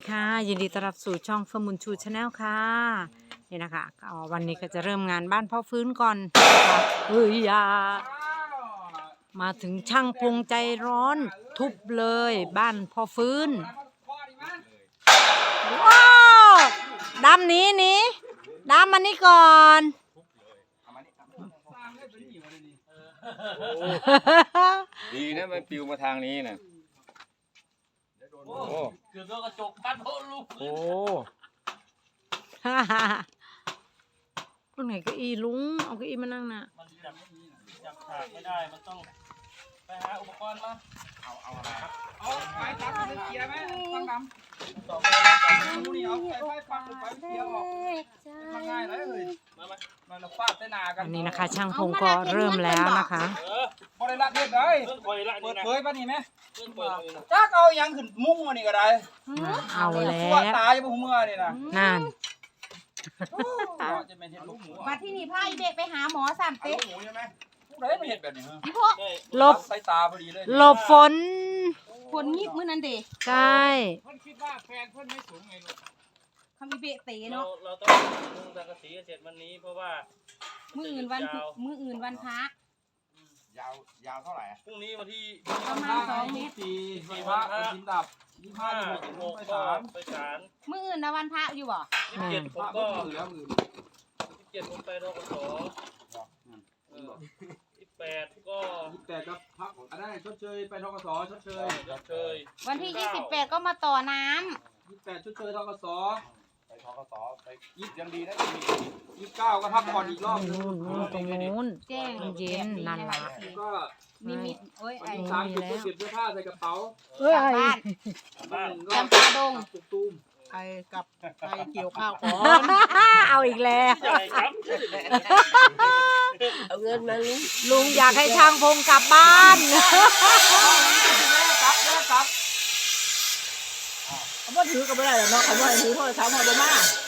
ค่ะยินดีต้อนรับสู่ช่องเฟิร์มบุญชูชาแนลค่ะนี่นะคะวันนี้ก็จะเริ่มงานบ้านพ่อฟื้นก่อนนะคะมาถึงช่างพงใจร้อนทุบเลยบ้านพ่อฟื้นว้าวดำหนีดำมานี่ก่อนดีนะมันปิวมาทางนี้นะโอ้เกือบโดนกระจกพัดโอ้ลูกโอ้ตรงไหนเก้าอี้ลุงเอาเก้าอี้มานั่งน่ะมันจับฉากไม่ได้มันต้องไปหาอุปกรณ์มาเอาอะไรครับเอาไฟตัดไปเกียร์ไหมฟังดำต่อไปนี่เอาไฟฟังไปเกียร์ออกทำง่ายเลยมาเราฟาดใส่หน้ากันอันนี้นะคะช่างพงก็เริ่มแล้วนะคะพอได้ละเรียบเลยเปิดเผยป่ะนี่ไหมจักเอายังขึ้นมุ้งมานี่ก็ได้เอาแล้วตายจะพุ่งเมื่อนี่นะนั่นจะเป็นเห็ดลูกหมูมาที่นี่พาอีเด็กไปหาหมอสามเต๊ะหมูใช่ไหมผู้ใดไม่เห็ดแบบนี้ฮะพี่พ่อหลบใส่ตาพอดีเลยหลบฝนคนยิบมื้อนั้นเด็กใช่เพื่อนคิดว่าแฟนเพื่อนไม่สูงไงลูกคำอีเบะเตะเนาะเราต้องมุงสังกะสีเสร็จวันนี้เพราะว่ามื้ออื่นวันพระยาวเท่าไหร่พรุ่งนี้วันที่ประมาณ2 เมตร 4วันพระวันกินดับ25 26ไปศาลมื้ออื่นนะวันพระอยู่บ่ 27ผมก็27ผมไปรกส28ก็ 28ก็พักได้ชดเชยไปทกสชดเชยวันที่28ก็มาต่อน้ำ 28ชดเชยทกสไปทกสไปยิบยังดีนะ 29ก็พักผ่อนอีกรอบนึงนู่นตรงนู้นแจ้งเย็นนั่นล่ะก็นิมิตโอ้ยวันไอ้ที่3เก็บเสื้อผ้าใส่กระเป๋ากลับบ้านบ้านจำปาดงตุกตูมไปเกี่ยวข้าวก่อนเอาอีกแล้วใหญ่ครับเอาเงินมาลุงลุงอยากให้ช่างพงกลับบ้านครับเขาบ่ถือก็ไม่ได้หรอกเนาะเขาบ่ให้ถือโทรศัพท์มาบ่มา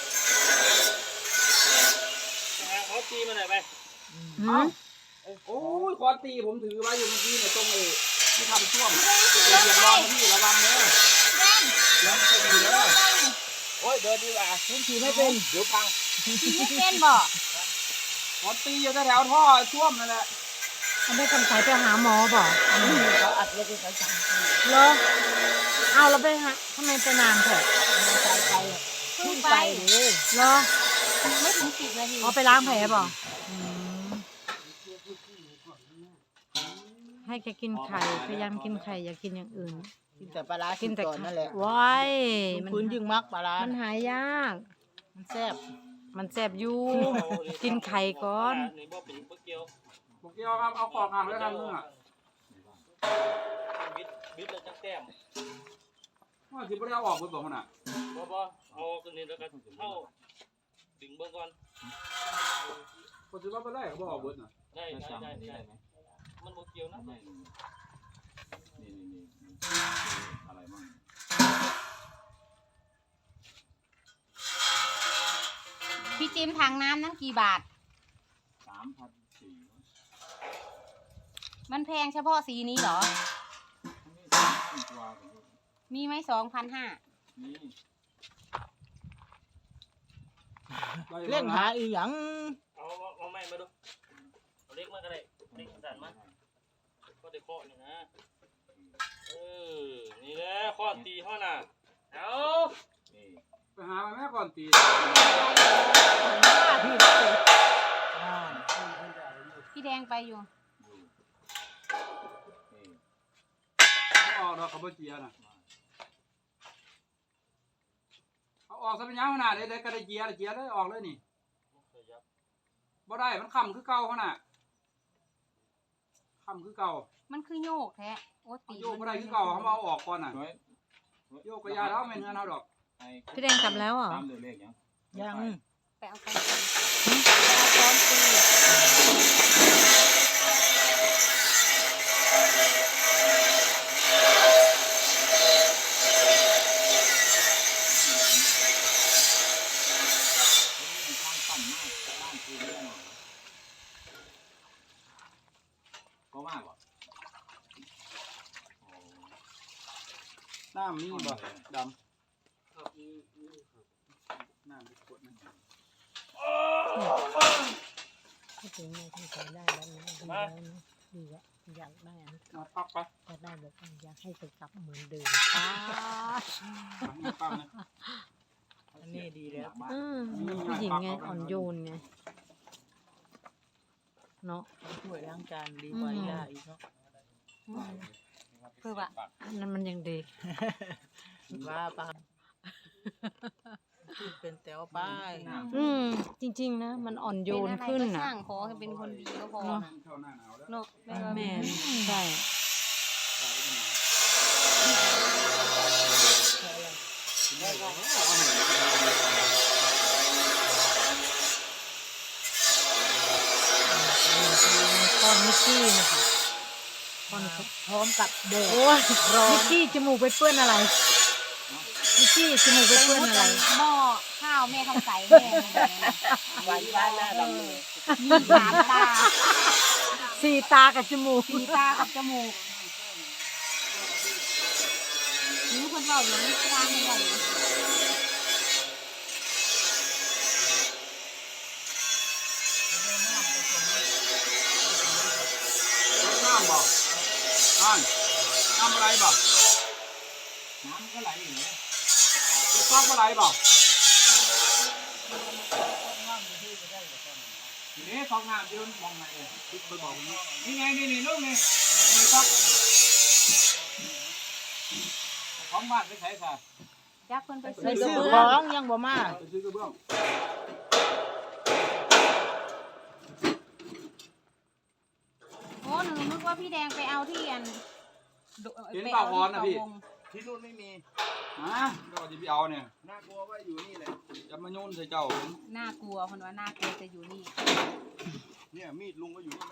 เขาตีมาไหนไปโอ้ยคอตีผมถือไว้อยู่เมื่อกี้เนี่ยตรงที่ทำช่วงเหยียบร้อนพี่ระวังเด้อแล้วจะดีเด้อโอ้ยเดินดีกว่าผมถือไม่เป็นเดี๋ยวพังที่ไม่เป็นบ่คอตีอยู่แถวท่อช่วมนั่นแหละเขาไม่สงสัยไปหาหมอบอกเขาอัดไว้เป็นสามปีเหรอเอาเราไปหาทำไมไปนานเถอะใจไปเพิ่ขึ้งนไปไปเลยเหรอไม่ถึง10 นาทีเอาไปล้างแผลบอกให้แกกินไข่พยายามกินไข่อย่ากินอย่างอื่นกินแต่ปลาร้ากิกินนแต่ก่อนนั่นแหละว้ายมันพื้นยิ่งมักปลาร้ามันหายยากมันแซ่บมันแสบอยู่กินไข่ก่อนนี่บ่เป็นบ่เกี่ยวบอกเกี่ยวครับเอาขอกห่างแล้วกันเนื้อบิดแล้วจังแต้มว่าสิบ่ได้เอาออกเพิ่นบอกขนาดบ่เอาตัวนี้แล้วก็เข้าดึงเบิ่งก่อนคนสิว่าบ่ได้ก็บ่ออกเบิดน่ะได้มันบ่เกี่ยวนะอะไรมั่งพี่จิมถังน้ำนั้นกี่บาท 3,400 มันแพงเฉพาะสีนี้เหรอกว่ามีไหม2,500 นี่เล่นหาอีหยังเอาไม้มาดูเอาเล็กมาก็ได้เล็กสั่นมาก็ได้เคาะนี่นะนี่แหละข้อตีเฮาน่ะเอานี่ไปหามาแม่ก่อนตีพี่รักเลยอ่าพี่แดงไปอยู่นี่เอาออกดอกเขาบ่เจียน่ะเอาออกซะเป็นยังขนาดได้ก็ได้เจียเลยออกเลยนี่บ่ได้มันค้ำคือเก่าขนาดค้ำคือเก่ามันคือโยกแท้โอ้ตีโยกบ่ได้คือเก่าเขามาเอาออกก่อนน่ะน้อยโยกกระยาแล้วไม่เนื้อเอาดอกพี่แดงกลับแล้วเหรอตามเดือเลขยังยังไปเอาไปซ้อนตีก็มากกว่าน้ำมีบ่ดำถ้าถึงในที่ใช้ได้แล้วนะดีแล้วนะดีแล้วอยากได้อันมาปักไปจะได้บอกว่าอยากให้ไปกลับเหมือนเดิมป้าปักนะอันนี้ดีแล้วผู้หญิงไงอ่อนโยนไงเนาะช่วยล้างจานดีกว่าย่าอีกเนาะคือว่าอันนั้นมันยังดีว่าปะเป็นแถวไปจริงๆนะมันอ่อนโยนเป็นอะไรขึ้นก็น่ะช่างขอให้เป็นคนดีก็พอเนาะนะเข้าหน้าหนาวแล้วเนาะไม่ว่าแม่นใช่ก้อนมิกกี้นะคะก้อนพร้อมกับแดดโอ้ยมิกกี้จมูกไปเปื้อนอะไรมิกกี้จมูกไปเปื้อนอะไรหม้อข้าวแม่ทำใส่แม่วันบ้านหน้าดำเลยมีสามตาสี่ตากับจมูกสีตากับจมูกนี่คนเราอย่างนี้ตาไม่ไหวน้ำบ่น้ำอะไรบ่น้ำก็ไหลอยู่เนี่ยฟ้าก็ไหลบ่ทีนี้ฟองน้ำยืนมองไหนคิดไปบอกนี่ไงนี่ลูกนี่นี่ฟักของบ้านไปใช้ซะยักษ์คนไปใส่ซื้อซื้อของยังบ่มาไปซื้อกระเบื้องโอ้หนูนึกว่าพี่แดงไปเอาที่อันเห็นเปล่าพรนะพี่ที่นู่นไม่มีฮะก็จะไปเอาเนี่ยน่ากลัวว่าอยู่นี่แหละจะมาโยนใส่เจ้าน่ากลัวคนว่าน่ากลัวจะอยู่นี่เนี่ยมีดลุงก็อยู่นี่ไหม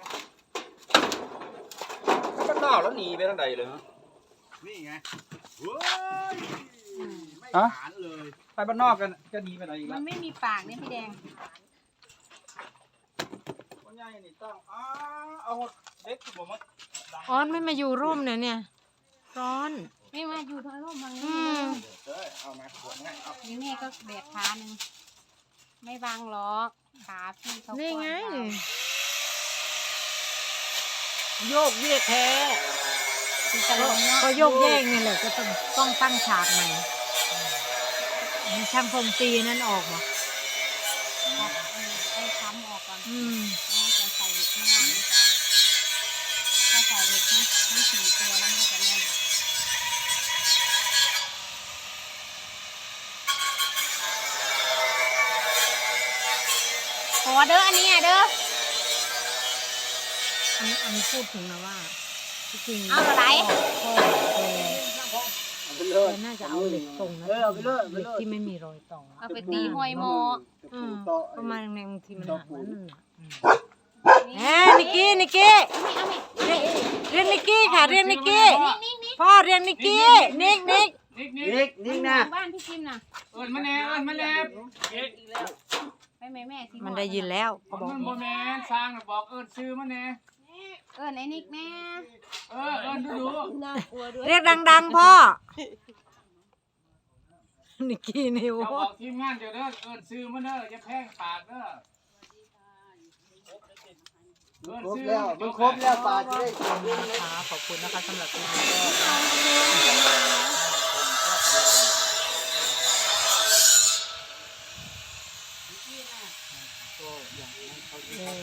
ก็นอกแล้วหนีไปทางใดเลยนี่ไงเฮ้ยไม่ฮะหานเลยไปบ้านนอกกันจะหนีไปไหนอีกมัแล้วนไม่มีปากเนี่ยพี่แดงคนใหญ่นี่ต้องเอาเด็กผมมาออนไม่มาอยู่ร่มเนี่ยร้อนไม่มาอยู่ทางร่มทางอืนี้มเฮ้ยเอามาขวดง่ายเอานี่แม่ก็แบกขาหนึ่งไม่บางหรอกขาพี่เขานี่ไงกว้างโยกเยกแท้ก็โยกแยกนี่แหละก็ต้องตั้งฉากใหม่ช่างผมตีนั่นออกเหรอไอ้ค้ำออกก่อนมจะใส่เหล็กข้างล่างนี่ก่อนถ้าใส่เหล็กทั้งสี่ตัวแล้วมันก็จะแน่นขอเด้ออันนี้อ่ะเด้ออันนี้พูดถึงนะว่าที่จริงเอาอะไรพ่อแกน่าจะเอาเหล็กตรงนะเหล็กที่ไม่มีรอยต่อเอาไปตีห้อยหมอประมาณในบางทีมันหักนั่นน่ะนี่นิกกี้นิกกี้เอาไหมเรียกนิกกี้ค่ะเรียกนิกกี้พ่อเรียกนิกกี้นิกนี่นะบ้านพี่จิมน่ะเอิญมาแน่เอิญมาแน่ไปแม่แม่สิมันได้ยินแล้วเขาบอกมันบ่แม่สร้างน่ะบอกเอิญซื้อมาแน่เอิญไอ้นิกแม่เอิญดูเรียกดังๆพ่อนิกกี้นิวเจ้าบอกทีมงานเดี๋ยวเด้อเอิญซื้อมาเด้ออย่าแพงปากเด้อครบแล้วมันครบแล้วปลาจะได้กินนะคะขอบคุณนะคะสำหรับคลิปนี้ก็อย่างนั้นเขาดีก็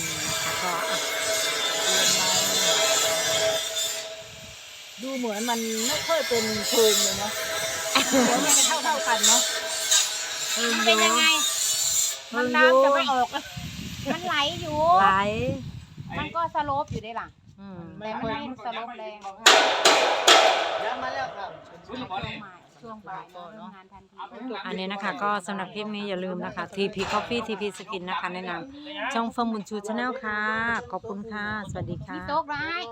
ดูเหมือนมันไม่ค่อยเป็นเพลิงเลยเนาะเดี๋ยวมันจะเท่ากันเนาะมันเป็นยังไงมันน้ำจะไม่ออกแล้วมันไหลอยู่ไหลมันก็สโลปอยู่ได้ล่ะไม่แต่ค่อยไม่สโลปแรงยังมาแล้วครับช่วงบ่ายเราเริ่มงานทันทีอันนี้นะคะก็สำหรับคลิปนี้อย่าลืมนะคะ TP Coffee TP Skin นะคะแนะนำช่องเฟิร์มบุญชูชาแนลค่ะ ขอบคุณค่ะ สวัสดีค่ะมีโต๊ะร้าย